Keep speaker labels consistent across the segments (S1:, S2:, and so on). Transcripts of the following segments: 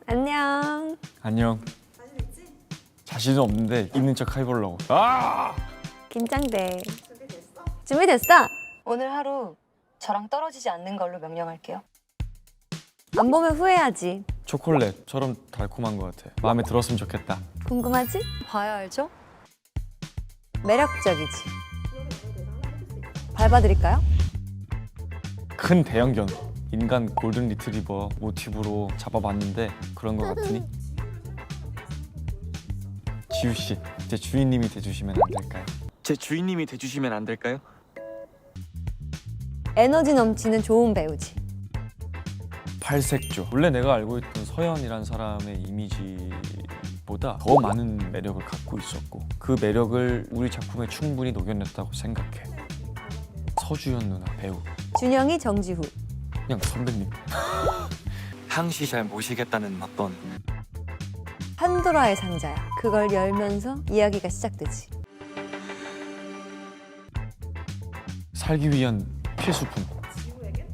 S1: 안녕.
S2: 안녕.
S3: 자신 있지?
S2: 자신은 없는데 있는 척 해보려고. 아!
S1: 긴장돼.
S3: 준비됐어?
S1: 준비됐어?
S4: 오늘 하루 저랑 떨어지지 않는 걸로 명령할게요.
S1: 안 보면 후회하지.
S2: 초콜릿처럼 달콤한 것 같아. 마음에 들었으면 좋겠다.
S1: 궁금하지?
S4: 봐야 알죠?
S1: 매력적이지. 밟아드릴까요?
S2: 큰 대형견. 인간 골든 리트리버 모티브로 잡아봤는데 그런 것 같으니? 지우 씨, 제 주인님이 돼주시면 안 될까요?
S5: 제 주인님이 돼주시면 안 될까요?
S1: 에너지 넘치는 좋은 배우지.
S2: 팔색조. 원래 내가 알고 있던 서연이란 사람의 이미지보다 더 많은 매력을 갖고 있었고 그 매력을 우리 작품에 충분히 녹여냈다고 생각해. 서주현 누나 배우.
S1: 준영이 정지후.
S2: 그냥 선배님.
S5: 항시 잘 모시겠다는 어떤
S1: 판도라의 상자야. 그걸 열면서 이야기가 시작되지.
S2: 살기 위한 필수품.
S3: 지우에겐?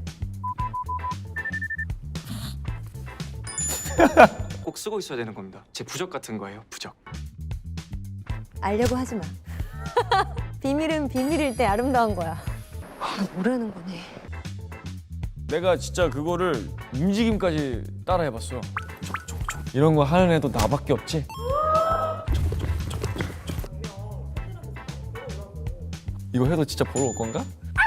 S5: 꼭 쓰고 있어야 되는 겁니다. 제 부적 같은 거예요, 부적.
S1: 알려고 하지 마. 비밀은 비밀일 때 아름다운 거야.
S4: 모르는 거네.
S2: 내가 진짜 그거를 움직임까지 따라해봤어. 이런 거 하는 애도 나밖에 없지? 이거 해도 진짜 보러 올 건가?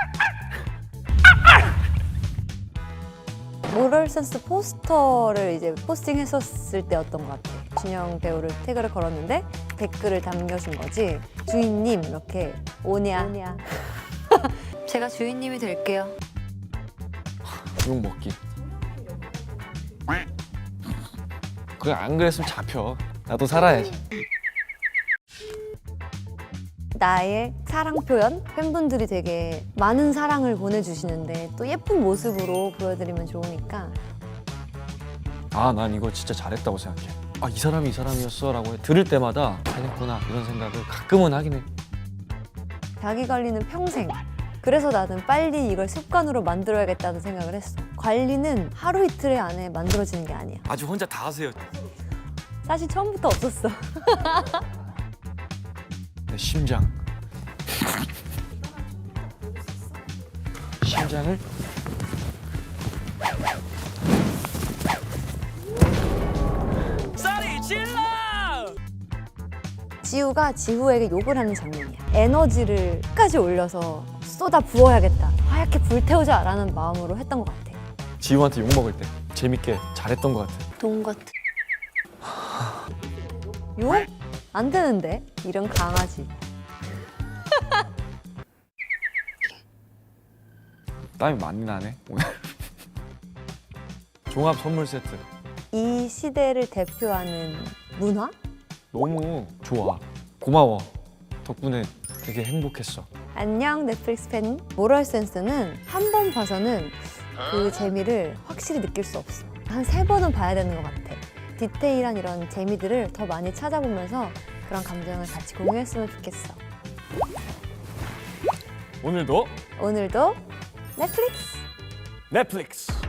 S1: 모럴센스 포스터를 이제 포스팅했었을 때였던 것 같아. 준영 배우를 태그를 걸었는데 댓글을 남겨준 거지. 주인님 이렇게 오냐.
S4: 제가 주인님이 될게요.
S2: 욕 먹기. 그래 안 그랬으면 잡혀. 나도 살아야지.
S1: 나의 사랑 표현? 팬분들이 되게 많은 사랑을 보내주시는데 또 예쁜 모습으로 보여드리면 좋으니까
S2: 아, 난 이거 진짜 잘했다고 생각해. 아, 이 사람이 이 사람이었어 라고 들을 때마다 잘했구나 이런 생각을 가끔은 하긴 해.
S1: 자기 관리는 평생. 그래서 나는 빨리 이걸 습관으로 만들어야겠다는 생각을 했어. 관리는 하루 이틀 안에 만들어지는 게 아니야.
S5: 아주 혼자 다 하세요.
S1: 사실 처음부터 없었어.
S2: 내 심장. 심장을
S5: 쌀이 질러!
S1: 지우가 지후에게 욕을 하는 장면이야. 에너지를 끝까지 올려서 쏟아 부어야겠다. 하얗게 불태우자 라는 마음으로 했던 것 같아.
S2: 지우한테 욕 먹을 때 재밌게 잘했던 것 같아.
S4: 돈 같은.
S1: 욕? 안 되는데? 이런 강아지.
S2: 땀이 많이 나네 오늘. 종합 선물 세트
S1: 이 시대를 대표하는 문화?
S2: 너무 좋아. 고마워. 덕분에 되게 행복했어.
S1: 안녕 넷플릭스 팬. 모럴센스는 한 번 봐서는 그 재미를 확실히 느낄 수 없어. 한 3번은 봐야 되는 것 같아. 디테일한 이런 재미들을 더 많이 찾아보면서 그런 감정을 같이 공유했으면 좋겠어.
S2: 오늘도
S1: 오늘도 넷플릭스!
S2: 넷플릭스.